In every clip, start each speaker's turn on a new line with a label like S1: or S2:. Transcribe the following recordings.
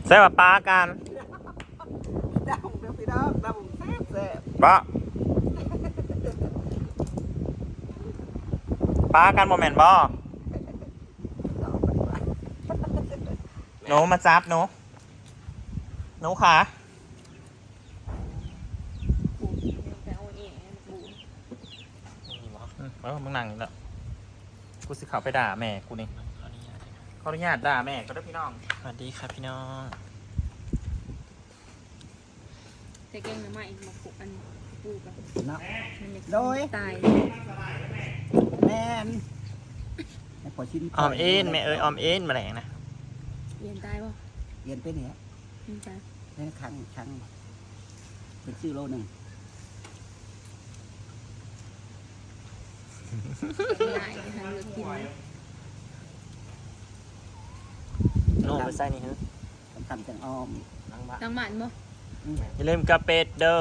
S1: ใส่ว่าปลากัน
S2: ดาวเด้อพี่น้องดาวแซ่บ
S1: ปลาปลากันโมเมนต์บ่หนูมาจับหนูขามึงนั่งนี่แหละกูสิเขาไปด่าแม่กูนี่ขออนุญาตด่าแม่ก็ได้พี่น้องสวัสดีครับพี่น้อง
S3: ใส่แกงหน่อไม้มาปลูกอันปลูกกับ
S2: เนาะ
S3: โดยตาย
S2: แม่นให้พอชิ้น
S1: ออมเอ็นแม่เอ้ยออมเอ็นมาแหลงนะ
S3: เรียนตายป่ะ
S2: เรียนไปเนี่ย
S3: เรียนตาย
S2: เรียนครั้งเป็นชื่อโลหนึ่ง
S3: หลายนะคะเลือกกิน
S1: โน่ไปใส่นี่ฮะ
S2: ทำจังอ้อม
S3: ตั้งหมันบ่
S1: อย่าลืมกระเป็ดเด้อ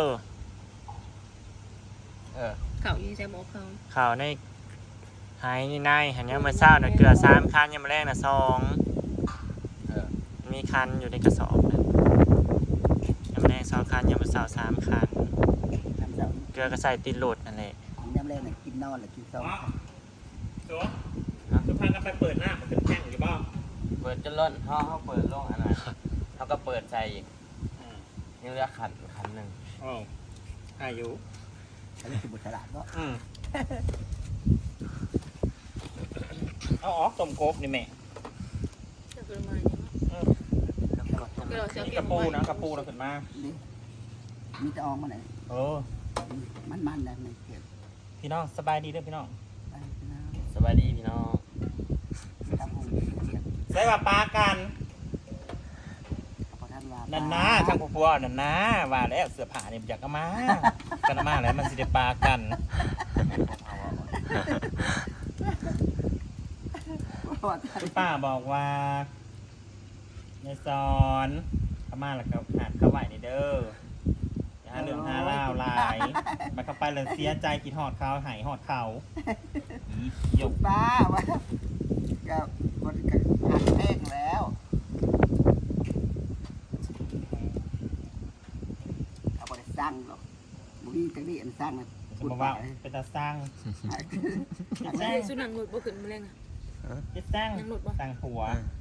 S3: เขาอยู่ในใจบอกเขา
S1: ข่าวในหายนี่นายหันยังมาเศร้าหน่อยเกลือ3 คันยังมาแรกนะ2มีคันอยู่ในกระสอบนะยังมาแรก2 คันยังมาเศร้า3 คัน
S2: ทำจัง
S1: เกลือก็ใส่ติดโหลดนั่นแหละ
S2: น้ำแรกน่ะกินนอนหรือกินซอง
S1: ตัวจะพากันไปเปิดหน้ามันเป็นแท่งอยู่บ้าง
S4: เปิดจนล้นเขาเปิดโล่งอันนั้นเขาก็เปิดใจอีกนี่เรียกขันหนึ่ง
S1: อ๋ออายุ
S2: อันนี้คือบุตรฉลาดก็
S1: เอาออกต้มกบนี่แม่
S3: จะเป็นมาเนี่ยเราจะ
S1: กระปูนะกระปูเราขึ้นมา
S2: นี่มีจะอองมาไหน มันแล้วไม่เก็บ
S1: พี่น้องสบายดีเด้อพี่น้อง
S2: ไปนะ
S4: สบายดีพี่น้อง
S2: ทำห้อง
S1: ใส่ว่าปลากัน
S2: พอท่านว่า
S1: นั่นนะทางผัวนั่นนะว่าแล้วเสื้อผ้าเนี่ยอยากเอามากันเอามาแล้วมันสิได้ปลากันคุณป้าบอกว่าในสอนเขามาแล้วก็หัดเข้าไหวในเด้ออย่าหาเรื่องหาเล่าวหลายมาเข้าไปเลยเสียใจกินหอดเขาหายหอดเขาหยก
S2: ป้าว่ากับคนกับหักแป้งแล้วเอาไปสร้างหรอกบุรีกันนี่อันสร้างนะ
S1: จะมาว่าเป็นตาสร้าง
S3: สุนัขหลุดบ่ขึ้นมาเลยอ่ะ
S1: จะสร้างสร้างหัว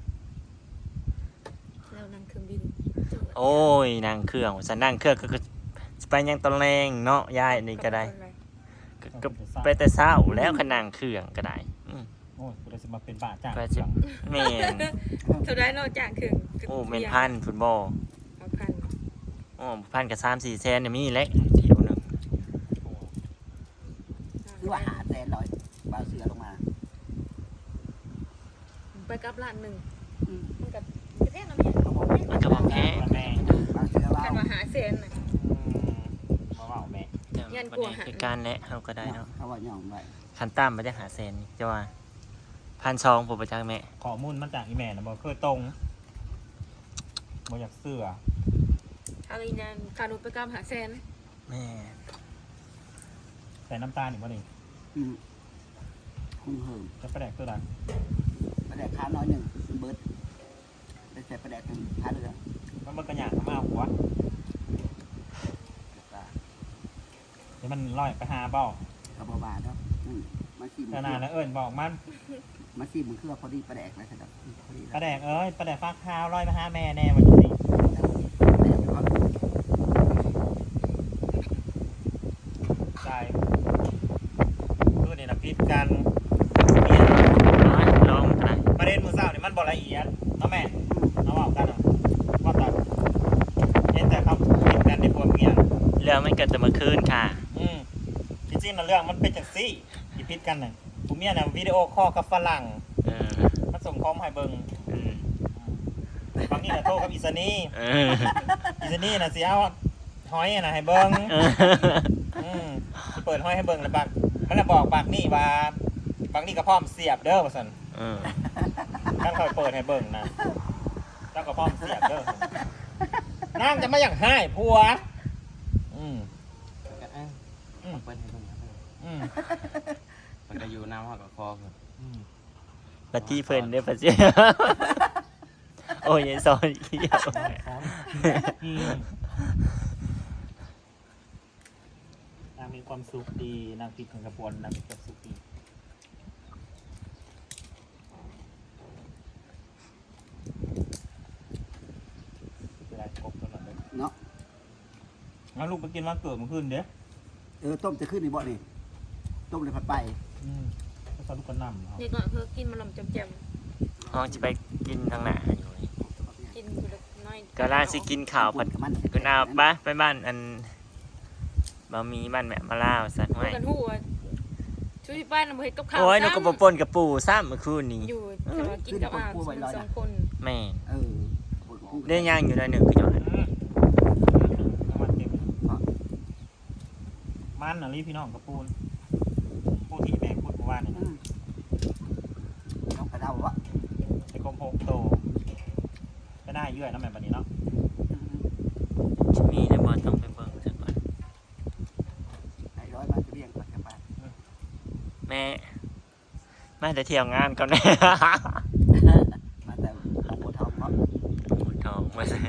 S3: แล้วนั่งเครื่องบิน
S1: โอ้ยนางเครื่องฉันนั่งเครื่องก็ไปยังตอนแรงเนาะยายนี่ก็ได้ก็ไปแต่เช้าแล้วขนางเครื่องก็ได้โอ้ยกูจะมาเป็นบาจ้าไปจิเมน
S3: เท่าไรเราจากเครื่อง
S1: โอ้เมนพันฟุตบอล
S3: เอาพัน
S1: โอ้พันกับ3-4 แสนเนี่ยมีเล็กเที่ยวหนึ่ง
S2: คือว่าหาแสนลอยบ่าวเสือลงมา
S3: ไปกับร้านหนึ่งมันกับแท่งน้ำ
S1: มันก็บอกแพ้แม่
S2: บ่าวเสือ
S3: กัน
S2: เรา
S3: มาหาเซนน่ะ
S1: มาว่าแม่
S3: ยันกลัวหา
S1: คือการและเขาก็ได้เนาะ
S2: เขาว่าย่องไว้
S1: คันตั้มมาจะหาเซนจะว่า1,200ผมไปจ้างแม่
S5: ข้อมูลมันจากอีแม่นะบอกเคยตรงบอกอยากเสื้อ
S3: อะไรนั่นคานุไปกับหาเซน
S1: แม่
S5: ใส่น้ำตาลอีกว่านี่
S2: คุ้งเหิม
S5: จะประแดกตัวใด
S2: ประแดกข้าวน้อยหนึ่งเบิร์ดได้ใส่ประแดกหนึ่งข้าวเรือ
S5: มันกระหยาดมาเอาหัวเดี๋ยวมันลอยไปหาเบ้าก
S2: ระบอกบาทเนาะมาซี
S5: ขนาดนั้นเอิญบอกมัน
S2: มาซีมันคือพอดีประแดกเลยครับพอดี
S5: ประแดกประแดกฟักข้าวลอยไปหาแม่แน่วันนี้ใช่คือเนี่ยนะพิษกันเนี่ย
S1: ลองกัน
S5: ประเด็นมือเศร้าเนี่ยมันบอกละเอียดเนาะแม่เอาบอกกันอ่ะว่าแต่เห็นแต่เขาพิษกันในพวกเมีย
S1: เรื่องมันเกิดแต่เมื่อคืนค่ะ
S5: จริงๆนะเรื่องมันเป็นจากซี่ที่พิษกันน่ะผมเนี่ยนะวิดีโอคอลกับฝรั่งมันส่งคอมให้เบิ้งบางนี่นะโทรกับอิสนีอิสนีนะสิเอาหอยนะให้เบิ้งเปิดหอยให้เบิ้งแล้วบักมันจะบอกบักนี่ว่าบักนี่ก็พร้อมเสียบเด้อว่าสันท่านเขาเปิดให้เบิ้งนะแล้วก็พร้อมเสียบเด้อนั่งจะมาอย่างให้ผัว
S4: เปิดให้ตรงนี้มันก็อยู่น้ำหักกับคอคือ
S1: ปฏิเพิ่นเด้อปฏิ
S6: โอ้ยซอยเกี่ยว
S5: นางมีความสุขดีนางผิดของกระปวนนางมีความสุขดีเวลากบตลอดเลย
S2: เนาะ
S5: งั้นลูกไปกินวันเกิดมันขึ้นเด้อ
S2: ต้มจะขึ้นในบ่อนี่ต้มเลยผัดไป
S5: ก็สอนลูกกระนำ
S3: เด็กหน่อยเพื่อกินมันลำจำ
S6: ห้องจะไปกินทางไหนอยู่นี่
S3: ๆกินอยู่เล็กน้อย
S6: ก็ล่าสิกินข้าวผัดกุนเอาไปบ้านอันบะหมี่บ้านแม่มาล่าวสัตว์
S3: พู
S6: ไว้
S3: ดกันหัวช่วยป้าน้ำเห็ดกับข้าว
S6: โอ้ยนกกระปนกับปูซ้ำเมื่อคืนนี้
S3: อยู่แต่ว่ากินกับอาสองคน
S6: แม่
S2: เรื่อง
S6: ได้ย่างอยู่ในหนึ่งคือจังไง
S5: มันเต็มมันน่ะรีพี่น้องกระปูนปูที่แม่พูดเมื่อวานนี่นะ
S2: น้องกระเดาวะ
S5: ไอ้กลมโพกโตก็ได้เยื่อยน้ำแม่บันนี้เนาะ
S6: จะมีในบ่ต้องไปเบิ่งสักก่อน
S2: ไอ้ร้อยมาจะเบี้ยงปัจจุบัน
S6: แม่มาแต่เที่ยวงานก่อนแม่
S2: มาแต่หลวงปู่ทองเนาะ
S6: หมูทองมาเซ็น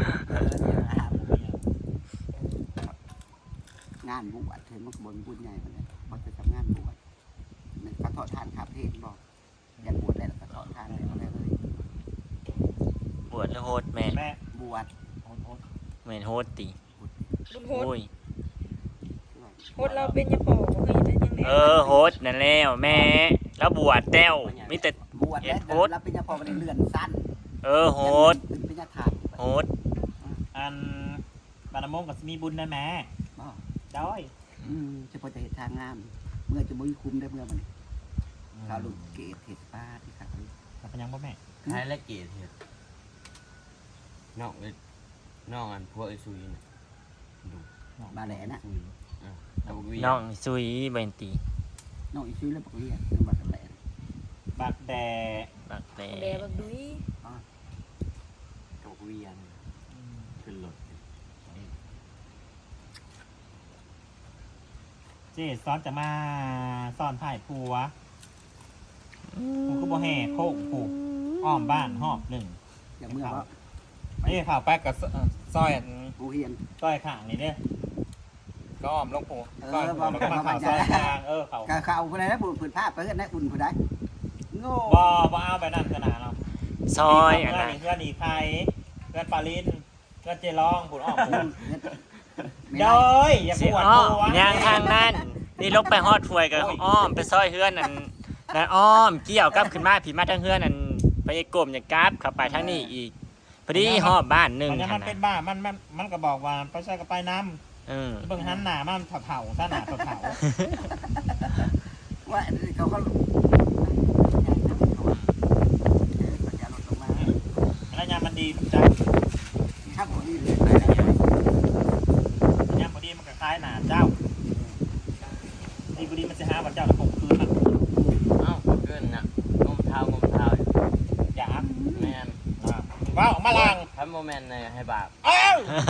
S2: งานบวชเห็นมันบนบุญใหญ่มันเลยมันจะทำงานบวชมันกระทอดทานขาเพศบอกอยากบวชได้แล้วกระทอดทานได้เลย
S6: บวชแล้วโฮดแม่
S5: แม่
S2: บวช
S6: แม่นโฮดตี
S3: บุญโฮด
S6: โอ้ย
S3: โฮดเราเป็นยาปอกเคยได้ยังไง
S6: โฮดนั่นแล้วแม่แล้วบวชแต้วมีแต่
S2: บวชแล้วรับเป็นยาพอมันเลื่อนสั้น
S6: โฮด
S2: เป็นยาถาด
S6: โฮด
S5: อันบานมงกับมีบุญนะแม่ด้อย
S2: เฉพาะจะเห็นทางงาม เมื่อจะมุ้ยคุ้มได้เมื่อมันข้าวลูกเกศเห็ดป้าที่ขา
S5: กับพยังบ่แม่
S4: ท้ายและเกตเห็ดนอกเลยนอกอันพวกไอ้ซุยน่ะดู
S2: บาแหลนะ
S4: ซุยตะบกวี
S6: น้องซุยเบนตี
S2: น้องอีซื้อแล้วบอกเรียกเรื่องบาแหล
S5: บักแต่
S6: บักแต่
S3: แดบักดุย
S4: ตะบกวีอันขึ้นรถ
S5: เจ๊ซ้อนจะมาซ้อนถ่ายผัวผมก็บ่แห่โค้งผูกอ้อมบ้านหอบหนึ่ง
S2: อย่างเมื่อว่า
S5: นี่ข่าวแป๊กกับซอย
S2: ผู้เฮียน
S5: ซอยข้างนี่เด้อก็อ้อมลงผูซอยผูแล้วก็มาข่าวซอยกลางเขา
S2: ข้าวคนไหนนะบุญผืนผ้าไปกันนะอุ่นคนไหนโง่
S5: บ่เอาไปนั่นขนาดเรา
S6: ซอยอัน
S5: เพื่อน
S6: นั้น
S5: เพื่อนอีไทยเพื่อนปาลินเพื่อนเจร้องผูอ้อมผู
S2: ไม่
S5: เด
S2: ได้
S5: ยอย่า
S6: สิ
S5: ปวด
S6: อ้อ
S5: หัว
S6: ย่างทางนั้นนี่ลกไปฮอดถวยกับอ้อมไปซอยเฮือนนั่นอ้อมเกี่ยวกับขึ้นมาผีมาทางเฮือนนั่นไปกลมอย่างกราฟเข้าไปทางนี้อีกพอดีฮอบบ้านหนึ่ง
S5: มัน
S6: ข
S5: มัน
S6: นา
S5: เป็
S6: ด
S5: นบ้ามันก็บอกว่าไปใช้กับไปน้ำ
S6: เออ
S5: เบิ่งหันหน้ามันเผาๆซะหน้าเผา
S2: ว่าเขาก็
S5: ๆแล้วยามมันดีจัง
S2: ครับผมนี่เลย
S5: ยามพอดีมันก็คล้ายหน้าเจ้าดีพอดีมันจะหาว่าเจ้าตะปกคืนมัน
S4: เอ้าเกินน่ะงมเท้างมเท้า
S5: อยาก
S4: แมน
S5: ว้าวมาลัง
S4: ทำโมเมนต์ในให้บาป
S5: เอ้าง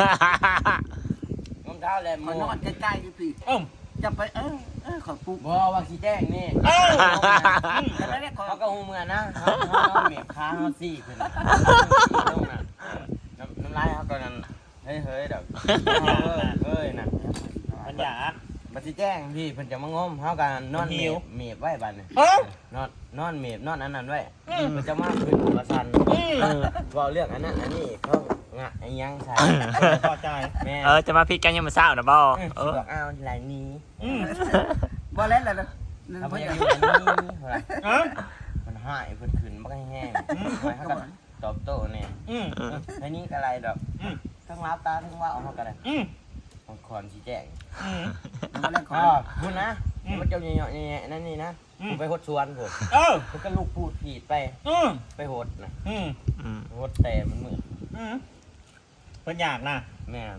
S4: มเท้าแลม
S2: มัน
S4: โม
S2: นอนใกล้ๆอยู่พี่
S5: เอ้ม
S2: จะไปขอปุ๊บ
S4: บ่ว่าขี้แจ้งนี่
S5: เอ้า
S2: แต่ไม่ได้ขอ
S4: เขาก็หูเมือนะเขาเมียค้าเขาซี่ขึ้นลงน่ะน้ำลายเขาก็นั่นเฮ้ยดอกเฮ้ยน่ะ
S5: มันอยาก
S4: บัดสิแจ้งพี่เพิ่นจะมางมเฮากันนอนเมียบไว้บัดนี้
S5: เอ้าน
S4: อนเมียบนอนอันนั้นไว้เพิ่นจะมาขึ้นกระสันเว้าเรื่องอันนั้นอันนี้เขางะไอ้ยังใส่
S5: พอใจ
S4: แม่
S6: จะมาพิดกันยังมาเศร้านะบ่
S4: บอกอ้าวหลายนี้
S2: บ่เล่นเลยนะ
S4: ถ้า
S2: ไม่
S4: บ่อ
S2: อยาก
S4: ากอยู่อันนี้
S5: เอ้า
S4: มันหายเพิ่นขึ้นบ่แห้งไว้เฮาก็ตอบโต้แน่ ไอ้นี่ก็อะไรดอกทั้งรับตาทั้งว่าเอาเฮาก็ได้บางคนสิแจ้ง
S2: มาเล่นขอ
S4: คุณนะมันเจ้าเหยาะๆแย่ๆนั่นนี่นะผมไปหดสวนผม มันก็ลูกพูดผิดไปหดนะหดแต่มันมืด
S5: เพิ่นอยากนะ
S4: แม่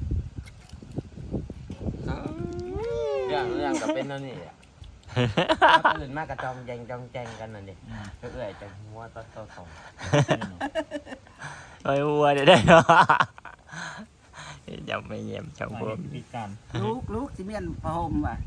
S4: เรื่องก็เป็นนั่นนี่แหละตื่นมากกระจองแจงกันนั่นดิก็เอื่อยจังหัวต้นสอง
S6: ไอ้วัวเดี๋ยวได้เนาะอย่าไม่เยี่ยมจังพวก
S5: พิการ
S2: ลูกสิเมียนพระโฮมว่ะ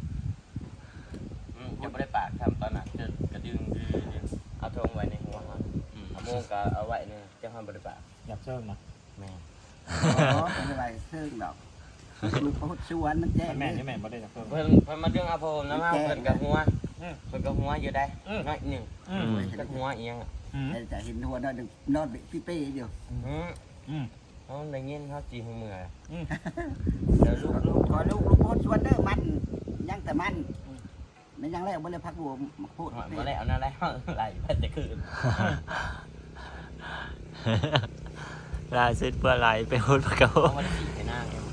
S4: จะไม่ได้ปากทำตอนนั้นจะกระดึงเอาทงไว้ในหัวครับโมงก็เอาไว้เนี่ยจะทำบริบา
S5: อยากเชิงนะ
S4: แม่
S2: อ๋อเป็นอะไรเชิงดอกลูกเขาชวนมันแจ้ง
S5: แม่นี่แม่บ่ได้อยากเชิง
S4: เพิ่นมาเรื่องอาโพนะมาเพิ่นกับหัวเพิ่นกับหัวอยู่ได้น้อยหนึ่งกับหัวเอียง
S2: จะเห็นหัวนอนนอนพี่เป้เดียว
S4: เขาได้ยินเขาจีหัวมือ
S2: เดี๋ยวลูกขอลูกโพสชวนเด้อมันยังแต่มันไม่ยังแล้วบ่เลยพักบัวมาพูด
S4: มาแล้วนั่นแล้วไหลพัดจะคืน
S6: ลาสุดเพื่อไหลไปพูดกับเขา
S4: เขามาขี่ให้หน้าแก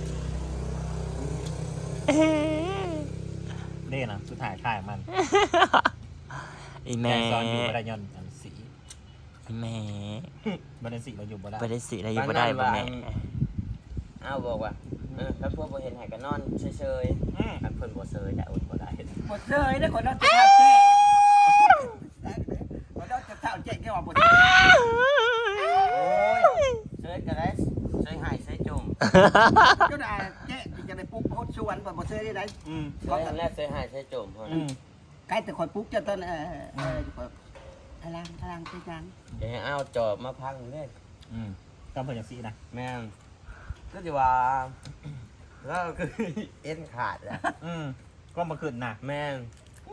S5: เด้นะสุดท้ายถ่ายมัน
S6: อี
S5: แม่
S6: แม่
S5: ซ้อนอยู่บ่ได้ย้อนอันสี
S6: อีแม่
S5: บ่ได้สีเราอยู่บ่ได้
S6: บ่ได้สิอะไรอยู่บ่ได้บ่แม่
S4: เอาบอกว่าถ้าพวกบ่เห็นให้ก็นอนเฉยๆอันเพิ่นบ่เซยจะอดบ่ได้
S2: หมดเลยนะคนนอนจะเท้าแจ้คนนอนจะเท้าแจ้แค่ว่าหมด
S4: โอ้ยเซยก็ได้เซยหายเซยจุ่ม
S2: ก็ได้แจ้จะได้ปุ๊บโพสชวนบ่บ่เซยได้ไหน
S4: เซยอันแรกเซยหายเซยจุ่มเพิ่น
S2: ใกล้แต่คอยปุ๊บจะต้นพลังไปจัง
S4: จะให้เอาจอบมาพังเลย
S5: ก็เพิ่นจังสีนะ
S4: แม่นก็สิว่าแล้วคือเอ็นขาดอ่ะ
S5: ก็มาขึ้นหนัก
S4: แม่น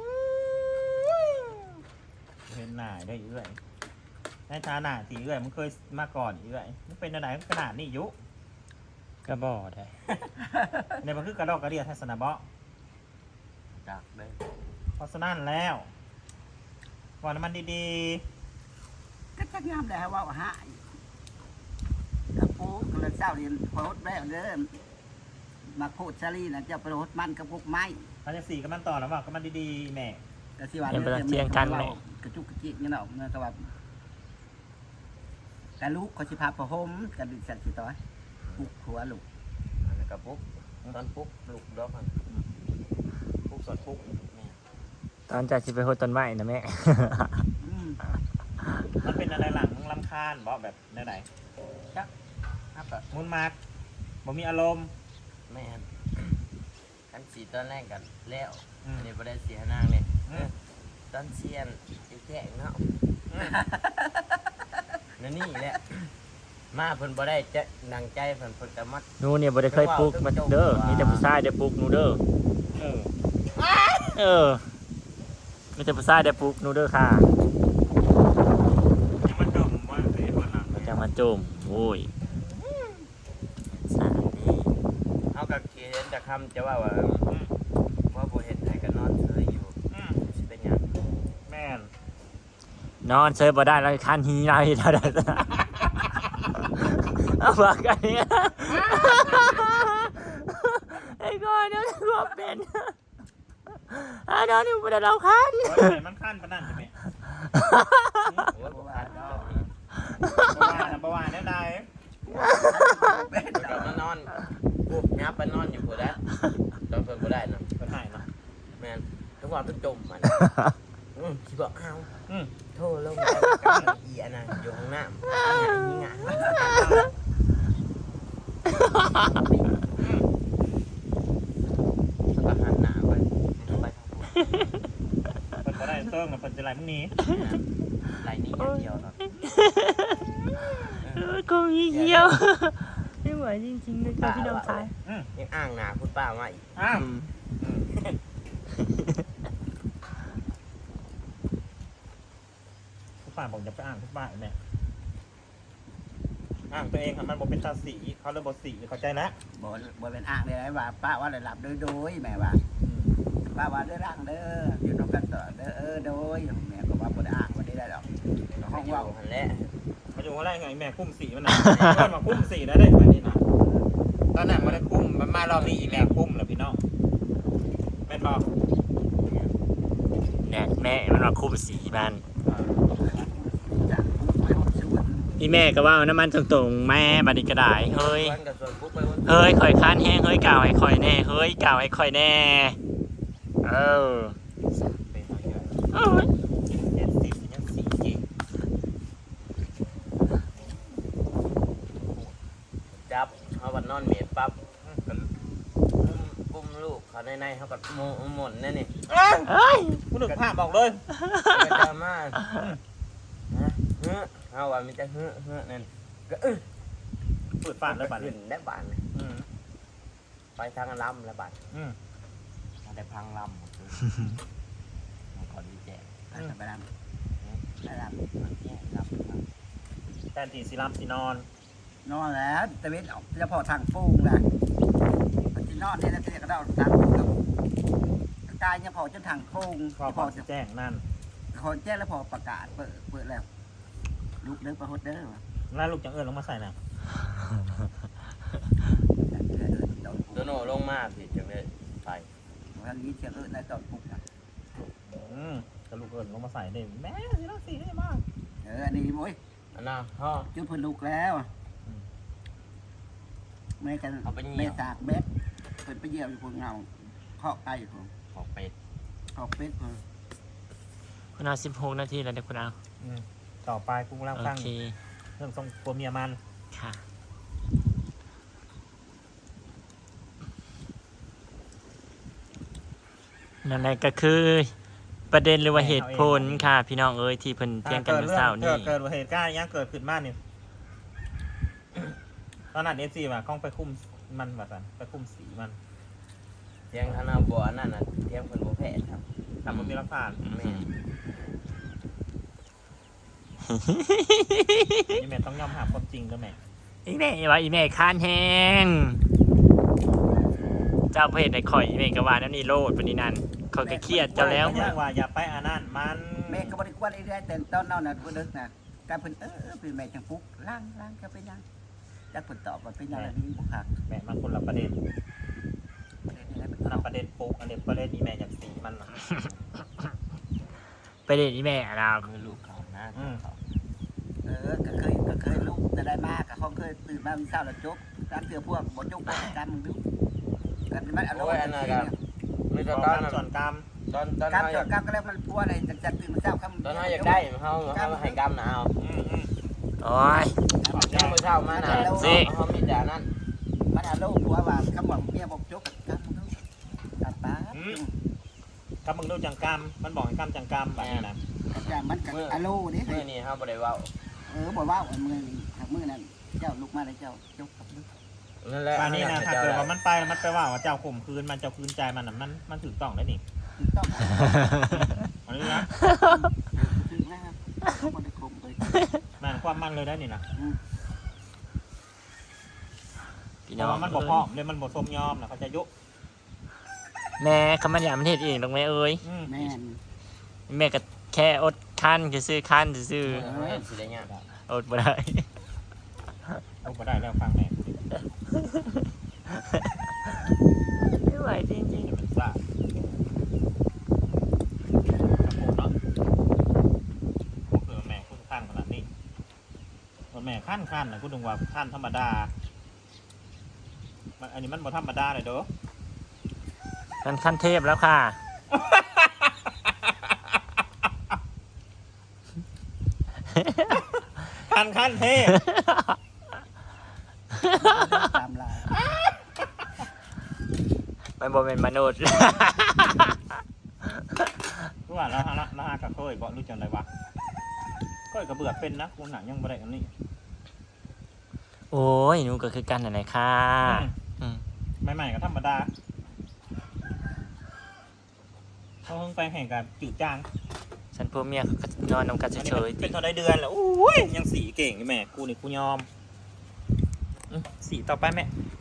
S5: เห็นหน้าได้เอื้อยในฐานะที่เอื้อยมันเคยมาก่อนเอื้อยมันเป็นอะไรขนาดนี้ยุ
S6: ก็บ่ได้
S5: ในมันคือกระดอกกระเดียทัศนะเบาะ
S4: จักเด้อ
S5: เพราะฉะนั้นแล้วว่าน้ำมันดี
S2: ก็จะงามแล้วว่าหายกับปุ๊บก็เลยเศร้าเรียนโพสแม่เด้อมาโพสซารีนะจะไปโพสมันกับพวกไม้
S5: ๆเขาจะสีกับมันต่อแล้วบอกกับมันดีๆแม่
S2: กระสิวันกระจุกกระจิกนี่เนาะเมื่อตะวันแต่ลูกเขาสิพาประหมกันดิสันสิต่อยปุกหัวลูก
S4: อันนั้นก็ปุ๊บตอนปุ๊บลูกดอกมัน
S5: ปุ๊กสดปุ๊ก
S6: ตอนจะสิไปโหดต้นไม้นะแม่
S5: มันเป็นอะไรหลังลำคาญเบาะแบบไหน
S4: ครับก็
S5: มุนมากบ่มีอารมณ์
S4: แม่นกันสีตอนแรกกันแล้วอันนี้บ่ได้เสียนางเลยตอนเชียนอยู่แก่งเนาะนั่นนี่แหละมาเพิ่นบ่ได้จะนังใจเพิ่นก็มัด
S6: หนูเนี่ยบ่ได้เคยปลูกมาเด้อมีแต่ผู้ชายได้ปลูกหนูเด้อมีแต่ผู้ชายได้ปลูกหนูเด้อค่ะ
S5: ยังมันจมว่าไอ้คนหลัง
S6: จะมาโจมโอ้ยสาดี
S4: เฮาก็เขียนจะคำจะว่าว่าบ่เฮ็ดให้ก็นอนเฉยอยู่สิเป็นหยัง
S5: แม่น
S6: นอนเซยบ่ได้แล้วคันหีไรเท่านั้นเอามากันเนี่ยไอ้ก้อนเนี่ยก็เป็นนอนอยู่บนเราคัน
S5: โอ้ยมันขั้นปะนั่นใช่ไหม
S4: โอ้ยบ่ขาดดอก
S5: ประวานได้ได้
S4: ก็มานอนปุ๊บยับไปนอนอยู่พุ่นแล้วตอนเพิ่นบ่ได้นะ
S5: ก็ถ่ายเนาะ
S4: แม่นทุกวันเพิ่นจมมันสิบอกเอา โทษลงกับอีอันนั้นอยู่ห้องน้ำนี่ไงก็หันหน้าไปไปทางบน
S5: เปิดก็ได้เติ้งกับเปิดจะไรมึงนี้
S4: ไหลนี้อย่างเดียวครับ
S6: ก็มีเหี้ยวไม่ไหวจริงๆเลยค่ะพี่น้องชาย
S4: ยังอ้างหนาคุณป้ามาอีก
S5: อ้าวทุกป่าผมจะไปอ่านทุกป่าแม่อ่านตัวเองค่ะมันบอกเป็นตาสีเขาเลยบอกสีเข้าใจแล้ว
S2: บ่เป็นอ่างเลยว่าป้าว่าได้หลับโดยแม่ว่าป้าว่าได้ร่างเด้ออยู่นอกกันต่อเด้อโดยแม่ก็ว่าบ่ได้อ่างบ่ได้ดอกห้องว่า
S4: หันแล้ว
S5: มาดูว่าอะไรไงแม่คุ้มสีมันนะเพื่อนมาคุ้มสีได้เลยแบบนี้นะตอนนั้นมาได้คุ้มมันมารอบนี้อีแม่คุ้มเหรอพี่น้องแม่บอก
S6: เนี่ยแม่มันมาคุมสีมัน
S2: จะไปห้องชวน
S6: อีแม่ก็ว่าน้ำมันตรงๆแม่บัดนี้ก็ได้เฮ้ย
S4: วันกับส่วนปุ๊บไปวัน
S6: เฮ้ยข่อยค้านแห้งเฮ้ยกล่าวให้ข่อยแน่เฮ้ยกล่าวให้ข่อยแน่เออ
S5: เป็นอะไรกัน
S6: เอ้ย
S5: 70ยังสีจริง
S4: จับเขาบัดนอนเมียปั๊บปุ้มลูกเขาในเขากับหม่นนั่นนี่
S6: เอ้ย
S5: ผู้หนึ่งภาพบอกเลย
S4: กระจามาเฮ้อเอาว่ามันจะเฮ้อนั่นก็
S5: ฝืดฟาดแล้วบัด
S4: ขึ้
S5: นี้
S4: นได้บานเลย
S5: อืม
S4: ไปทางลำแล้วบาน
S5: อืม
S4: ได้พังลำมันขอดีแจก
S2: ไปรำไปร
S4: แย่ลำ
S5: แทนที่สิรับสินอน
S2: ำนอนแล้วตะเวนออกจะพอทางฟูงนะมันจะนอนนี่แล้วจะกระโดดทางกายจะพอจนทางฟูง
S5: พอ
S2: จะ
S5: พ
S2: พ
S5: อ
S2: อ
S5: จะแจ้งนั่น
S2: ขอแจ้งแล้วพอประกาศเปิดแล้วลุกเด้อประหดเด้อ
S5: แล้วลูกจังเอิญลงมาใส่น่ะ
S4: ตัวโน่ลงมาผิดจังเลยไป
S2: วันนี้เชียงในตอนปุ๊บนะ
S5: อืมกระลูกเอิญลงมาใส่ได้แม่สิรักสีได้มาก
S2: อันนี้มุ้ย
S4: อันน่ะพ่อ
S2: จุดพื้นลุกแล้วแม่กันแม่สากเบ็ดเปิดไปเยี่ยมอยู่คนเงาเคาะไก่คน
S4: ขอเป็ด
S2: เคาะเป็ดคน
S6: คุณเอา16 นาทีแล้วเด็กคุณเอา
S5: อืมต่อไปกูกำลัง
S6: โอ
S5: ฟัง
S6: เค
S5: เรื่องทรงตัวเมียมัน
S6: ค่ะนั่นแหละก็คือ ประเด็นหรือว่าเหตุผลค่ะ พี่น้องเอ้ยที่เพิ่นเที่ยงกันเมื่อเช้านี้
S5: เกิดเหตุการณ์ยังเกิดขึ้นมากนี่ตอนนั้นเอฟซีว่ากล้องไปคุ้มมันแบบนั้นไปคุ้มสีมัน
S4: เทียงคณะบัวนั่นน่ะเทียงคนบัวแพทย์ครับ
S5: ทำมันมีรักฐาน
S4: แม่
S5: นี่แม่ต้องยอมหาความจริงแล้วแม่
S6: อีแม่ว่าอีแม่ค้านแห้งเจ้าเพศในข่อยอีแม่ก็ว่านั่นนี่โลดปานนี้นั่นข่อยก็เครียดเจ้าแล้ว
S5: เรื่องว่าอย่าไปอานั่นมัน
S2: แม่ก็บริกรไอ้เรื่อยแต่ตอนนั้นน่ะพูดดึกนะการเพิ่นเป็นแม่จังปุ๊กล่างก็เป็นยังจักเพิ่นตอบว่าเป็นยังอะไรนี่บุคัก
S5: แม่มันคนละประเด็น
S2: ประเด็นนี้
S5: อันนั้นประเด็นปุ๊กอันนี้ประเด็นนี่แม่อยากสีมันน่ะ
S6: ไปเด็ดอีแม่เรา
S4: มือลูกเขานะเขา
S2: ก็เคยลูกจะได้มากเขาเคยตื่นมามีเศร้าแล้วจกการเตือพวกบ่จกบ่การมึงดูกันมันอารมณ์กันทีเนี่ย
S4: ไม่
S5: ต
S4: ต
S5: อ
S4: อน น
S5: ส่วนกรรม
S4: ตอน
S2: การ
S4: เขา
S2: จดการก็แล้วมันพัวอะไรจะตื่นมาเศร้าคำ
S4: ตอนเขาอยากได้เขาให้กำหนาว
S6: โอ้ย
S4: แค่เมื่อเช้ามาน่ะเขามีแต่นั่น
S2: มันอารมณ์พัวว่าคำว่าเมียบอกจกการมึงดูตัดตา
S5: กับมึงดูจังกรรมมันบอกให้กรรมจังกรรมแบบนี้นะ
S2: อย่างมันกับอารมณ์นี่
S4: เมื่อนี้เขาบ่ได้ว่า
S2: บอกว่ามือนี่หักมือนั่นเจ้าลุกมาแล้วเจ้าจกกับลูก
S4: นั่นแหละ
S5: อันนี้นะถ้าเกิดว่ามันไปแล้วมันไปว่าเจ้าข่มคืนมันเจ้าคืนใจมันน่ะมันถูกต้องได้นี่
S2: ต้อง
S5: อันนี้นะ
S2: ถึงแล้วมันได้คมเลย
S5: มันความมันเลยได้นี่นะ
S6: พี่
S5: เพ
S6: น้อ
S5: ราะ
S6: ง
S5: ว่ามันบอกพ่อเลยมันบอกสมยอมนะเขาจะยุ
S6: แม่เขามันอยากมันเฮ็ดเองตรงแม่เอ้ย
S2: แม่น
S6: แม่ก็แค่อดคันซื่อคันซื่อ
S4: สิได้ยาก
S6: อดบ่ได้
S5: เอาไปได้แล้วฟังแม่
S6: ไม่ไหวจริง
S5: จะเป็นซ่าโอ้เนาะคือแม่คุณขั้นขนาดนี้แม่ขั้นนะคุณดึงว่าขั้นธรรมดาอันนี้มันบ่ธรรมดาเลยเด้อ
S6: ๆมันขั้นเทพแล้วค่ะ
S5: ขั้นเทพ
S2: ตามลาย
S6: มันบ่เป็นมนุษย์
S5: รู้ว่าแล้วฮะกับเคยบอกรู้จังไรวะเคยกับเบื่อเป็นนะกูหนังยังบ่ได้อันนี้
S6: โอ้ยหนูก็คือกันนั่นแหละค่ะ
S5: ใหม่ๆก็ธรรมดาเขาเพิ่งไปแข่งกับจืดจาง
S6: ฉันพวกเมียเขาก็นอนนำกันเฉยๆ
S5: เป็นเท่าได้เดือนแล้วโอ้ยยังสีเก่งอยู่แม่กูนี่กูยอมสีต่อไปแม่